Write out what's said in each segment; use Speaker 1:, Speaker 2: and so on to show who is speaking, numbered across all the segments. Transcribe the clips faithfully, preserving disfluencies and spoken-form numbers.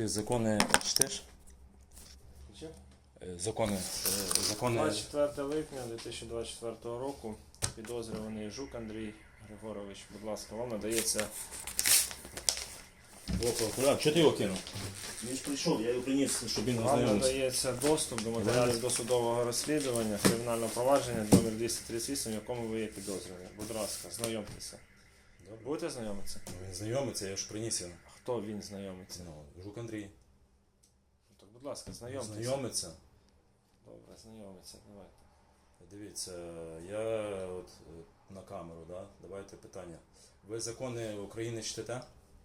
Speaker 1: Ти закони чтеш?
Speaker 2: Чи?
Speaker 1: Е, Закони. е, закони...
Speaker 2: двадцять четвертого липня дві тисячі двадцять четвертого року підозрюваний Жук Андрій Григорович, будь ласка, вам надається...
Speaker 1: Чого ти його кинув? Він ж прийшов, я його приніс, щоб він
Speaker 2: Вам
Speaker 1: ознайомився.
Speaker 2: надається доступ до матеріалів досудового розслідування кримінального провадження номер двісті тридцять вісім, в якому ви є підозрювані. Будь ласка, знайомтеся. Будете знайомитися?
Speaker 1: Ну, він знайомиться, я ж приніс його.
Speaker 2: Хто він знайомиться?
Speaker 1: Ну, Жук Андрій.
Speaker 2: Так, будь ласка, знайомтеся.
Speaker 1: Знайомиться.
Speaker 2: Добре, знайомиться, давайте.
Speaker 1: Дивіться, я от е, на камеру, да? Давайте питання. Ви закони України чтете?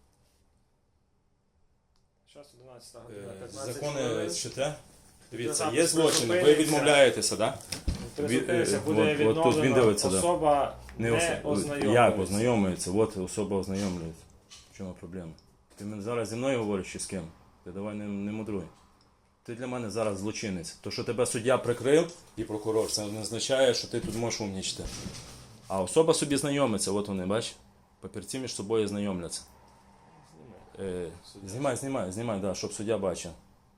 Speaker 2: Зараз одинадцята
Speaker 1: Е,
Speaker 2: година, п'ятнадцять
Speaker 1: Закони
Speaker 2: хвилин.
Speaker 1: чтете? Дивіться,
Speaker 2: Запис
Speaker 1: є злочини, ви
Speaker 2: призупиниться.
Speaker 1: відмовляєтеся, так?
Speaker 2: Призупиниться,
Speaker 1: Е,
Speaker 2: буде
Speaker 1: от- от тут
Speaker 2: відновлено,
Speaker 1: він дивиться, да.
Speaker 2: особа
Speaker 1: Не
Speaker 2: не,
Speaker 1: ос-
Speaker 2: ознайомлюється.
Speaker 1: Як ознайомлюється? От особа ознайомлюється. В чому проблема? Ти мене зараз зі мною говориш чи з ким? Ти давай не, не мудруй. Ти для мене зараз злочинець. То, що тебе суддя прикрив і прокурор, це не означає, що ти тут можеш умнічити. А особа собі знайомиться, от вони, бач? Папірці між собою знайомляться. Е, знімай, знімай, знімай, да, щоб суддя бачив.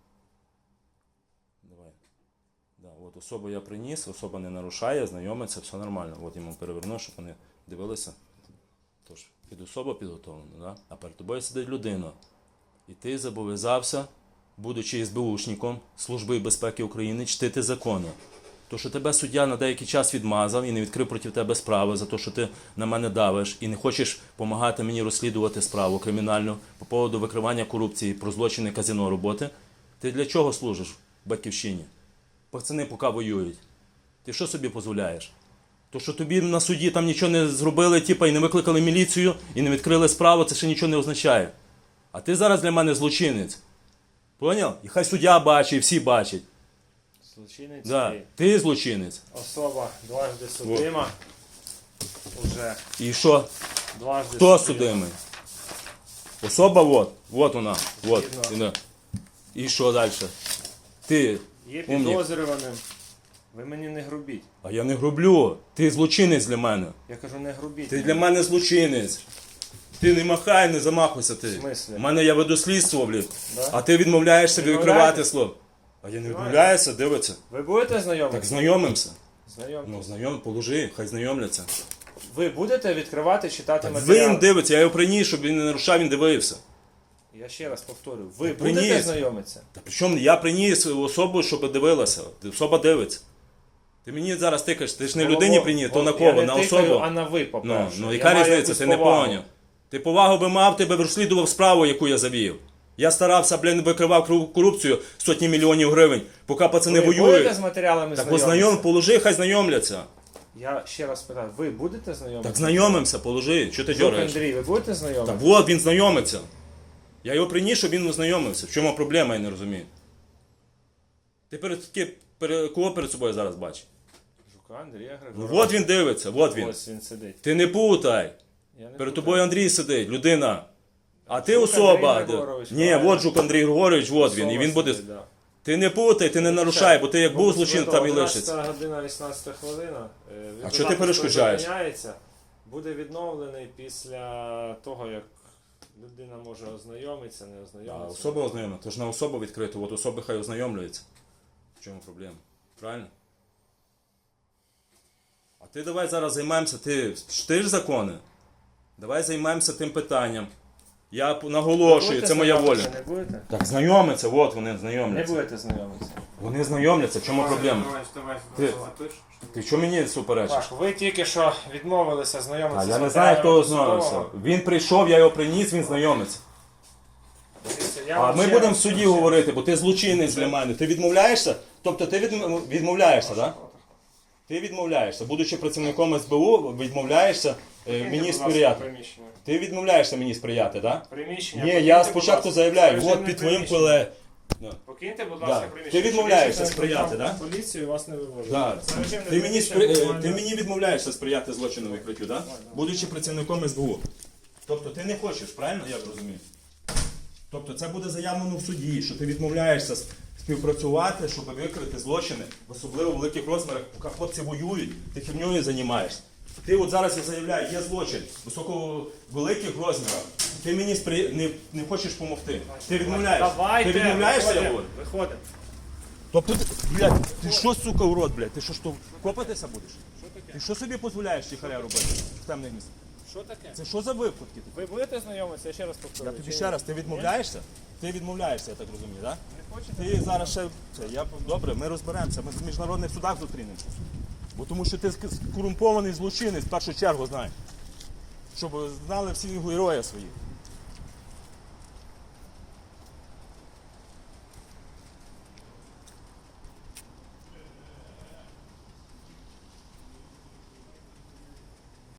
Speaker 1: Давай. Да, от особу я приніс, особа не нарушає, знайомиться, все нормально. От йому переверну, щоб вони дивилися. Тож, під особа підготовлена, да? А перед тобою сидить людина. І ти зобов'язався, будучи СБУшником Служби безпеки України, чтити закони. То, що тебе суддя на деякий час відмазав і не відкрив проти тебе справи за те, що ти на мене давиш і не хочеш допомагати мені розслідувати справу кримінальну по поводу викривання корупції про злочини казино роботи, ти для чого служиш в Батьківщині? Пацани поки воюють. Ти що собі дозволяєш? То, що тобі на суді там нічого не зробили, типа, і не викликали міліцію, і не відкрили справу, це ще нічого не означає. А ти зараз для мене злочинець. Поняв? І хай суддя бачить, і всі бачать.
Speaker 2: Злочинець
Speaker 1: Да.
Speaker 2: і
Speaker 1: Ти злочинець.
Speaker 2: особа дважди судима. Уже
Speaker 1: І що?
Speaker 2: дважди
Speaker 1: Хто
Speaker 2: судима.
Speaker 1: судимий? Особа от. От вона. От.
Speaker 2: Видно.
Speaker 1: І, да. І що далі? Ти
Speaker 2: Є
Speaker 1: умник.
Speaker 2: підозрюваним. Ви мені не грубіть.
Speaker 1: А я не грублю. Ти злочинець для мене.
Speaker 2: Я кажу, не грубіть.
Speaker 1: Ти для мене злочинець. Ти не махай, не замахуйся ти.
Speaker 2: В смислі?
Speaker 1: У мене я веду слідство, блін.
Speaker 2: Да?
Speaker 1: А ти відмовляєшся
Speaker 2: Відмовляєтесь?
Speaker 1: відкривати слово. А я не відмовляюся, дивиться.
Speaker 2: Ви будете
Speaker 1: Так
Speaker 2: знайомитися?
Speaker 1: знайомимося.
Speaker 2: Знайомтесь.
Speaker 1: Ну, знайом, положи, хай знайомляться.
Speaker 2: Ви будете відкривати, читати
Speaker 1: Так
Speaker 2: матеріал?
Speaker 1: він дивиться, я його приніс, щоб він не нарушав, він дивився.
Speaker 2: Я ще раз повторюю. Ви
Speaker 1: приніс.
Speaker 2: будете знайомитися?
Speaker 1: Та причому я приніс особу, щоб дивилася. Особа дивиться. Ти мені зараз тикаєш, ти ж не
Speaker 2: Голово-
Speaker 1: людині приніс, то на
Speaker 2: Я
Speaker 1: кого?
Speaker 2: не
Speaker 1: На
Speaker 2: тикаю,
Speaker 1: особу?
Speaker 2: а на ви,
Speaker 1: Ну,
Speaker 2: по-перше.
Speaker 1: ну
Speaker 2: Я
Speaker 1: яка
Speaker 2: маю
Speaker 1: різниця,
Speaker 2: якусь
Speaker 1: ти не
Speaker 2: повагу.
Speaker 1: поняв. Ти повагу би мав, ти би розслідував справу, яку я завів. Я старався, блін, викривав кру- корупцію сотні мільйонів гривень, поки пацани
Speaker 2: Ви будете
Speaker 1: воюють.
Speaker 2: з матеріалами
Speaker 1: Так
Speaker 2: знайомитися?
Speaker 1: ознайом, положи, хай знайомляться.
Speaker 2: Я ще раз питаю, ви будете знайомитися?
Speaker 1: Так знайомимося, положи, що ти
Speaker 2: Жук
Speaker 1: дергаєш?
Speaker 2: Андрій, ви будете
Speaker 1: Так
Speaker 2: знайомитися?
Speaker 1: от він знайомиться. Я його приніс, щоб він ознайомився. В чому проблема, я не розумію. Ти перед, ки- перед кого перед собою зараз бачиш?
Speaker 2: Жука Андрія
Speaker 1: Ну
Speaker 2: Григоровича.
Speaker 1: от він дивиться, от він.
Speaker 2: Ось він сидить.
Speaker 1: Ти не путай.
Speaker 2: Я не
Speaker 1: Перед
Speaker 2: путаю.
Speaker 1: тобою Андрій сидить, людина. А ти
Speaker 2: Жук
Speaker 1: особа.
Speaker 2: Андрій Григорович,
Speaker 1: Ні,
Speaker 2: правильно.
Speaker 1: от Жук Андрій Григорович, от він. І
Speaker 2: Особа
Speaker 1: він буде.
Speaker 2: сидить, да.
Speaker 1: Ти не путай, ти не нарушай, бо ти як був злочин, там і лишиться.
Speaker 2: одинадцята година, вісімнадцята хвилина. Е,
Speaker 1: А
Speaker 2: відеозапис
Speaker 1: чого ти перешкоджаєш?
Speaker 2: призупиняється, буде відновлений після того, як людина може ознайомитися, не
Speaker 1: А
Speaker 2: ознайомитися.
Speaker 1: особа ознайомлена, то ж на особу відкрито, от особи хай ознайомлюються. В чому проблема? Правильно? А ти давай зараз займаємося, ти чтиш закони? Давай займаємося тим питанням. Я п- наголошую,
Speaker 2: Будете
Speaker 1: це моя воля.
Speaker 2: знайомитися, Не будете?
Speaker 1: Так знайомиться, от вони
Speaker 2: Не
Speaker 1: знайомляться.
Speaker 2: будете знайомитися.
Speaker 1: Вони знайомляться, в чому проблема? Ти, ти що мені суперечиш?
Speaker 2: Так, ви тільки що відмовилися
Speaker 1: А
Speaker 2: знайомитися.
Speaker 1: я
Speaker 2: з
Speaker 1: не знаю, хто
Speaker 2: матеріалами
Speaker 1: ознайомився.
Speaker 2: судового.
Speaker 1: Він прийшов, я його приніс, він знайомиться.
Speaker 2: Дивіться, я
Speaker 1: А
Speaker 2: вам
Speaker 1: ми
Speaker 2: ще
Speaker 1: будемо в
Speaker 2: раз-
Speaker 1: суді
Speaker 2: ще-
Speaker 1: говорити, бо ти злочинець для мене. Ти відмовляєшся? Тобто ти відм- відмовляєшся, так? Ти відмовляєшся. Будучи працівником СБУ, відмовляєшся е,
Speaker 2: Покиньте,
Speaker 1: мені
Speaker 2: будь ласка,
Speaker 1: сприяти.
Speaker 2: приміщення.
Speaker 1: Ти відмовляєшся мені сприяти, так?
Speaker 2: Приміщення.
Speaker 1: Ні,
Speaker 2: покиньте,
Speaker 1: я
Speaker 2: будь
Speaker 1: спочатку
Speaker 2: ласка.
Speaker 1: заявляю,
Speaker 2: Режимне
Speaker 1: от під твоїм
Speaker 2: приміщення.
Speaker 1: колег.
Speaker 2: Покиньте, будь
Speaker 1: Да.
Speaker 2: ласка,
Speaker 1: Ти
Speaker 2: приміщення.
Speaker 1: відмовляєшся
Speaker 2: Щоб
Speaker 1: сприяти,
Speaker 2: більше
Speaker 1: да?
Speaker 2: Поліцію вас не вивозить.
Speaker 1: Да.
Speaker 2: Це режимне
Speaker 1: Ти мені,
Speaker 2: приміщення,
Speaker 1: спри- е,
Speaker 2: буквально-
Speaker 1: ти мені відмовляєшся сприяти злочину викриттю, так? Будучи працівником СБУ. Тобто ти не хочеш, правильно я розумію? Тобто це буде заявлено в суді, що ти відмовляєшся с- співпрацювати, щоб викрити злочини, в особливо великих розмірах, поки хлопці воюють, ти херньою займаєшся. Ти от зараз я заявляю, є злочин високого великих розмірів. Ти мені спри... не, не хочеш допомогти. Ти відмовляєшся.
Speaker 2: Давайте,
Speaker 1: Ти відмовляєшся, я
Speaker 2: виходимо,
Speaker 1: говорю?
Speaker 2: виходимо.
Speaker 1: Тобто, ти, блядь, ти що, сука, урод, блядь? Ти що, що копатися будеш? Ти що собі дозволяєш тихаря робити в темних місцях?
Speaker 2: Що таке?
Speaker 1: Це що за випадки?
Speaker 2: Ви будете знайомитися? Я ще раз
Speaker 1: Я
Speaker 2: повторюю.
Speaker 1: тобі
Speaker 2: Чи
Speaker 1: ще
Speaker 2: ні?
Speaker 1: раз, ти відмовляєшся? Ти відмовляєшся, я так розумію, так?
Speaker 2: Не хочете?
Speaker 1: Ти зараз ще. Це, я, добре, ми розберемося, ми в міжнародних судах зустрінемося. Бо тому що ти корумпований злочинець в першу чергу знаєш. Щоб знали всі герої свої.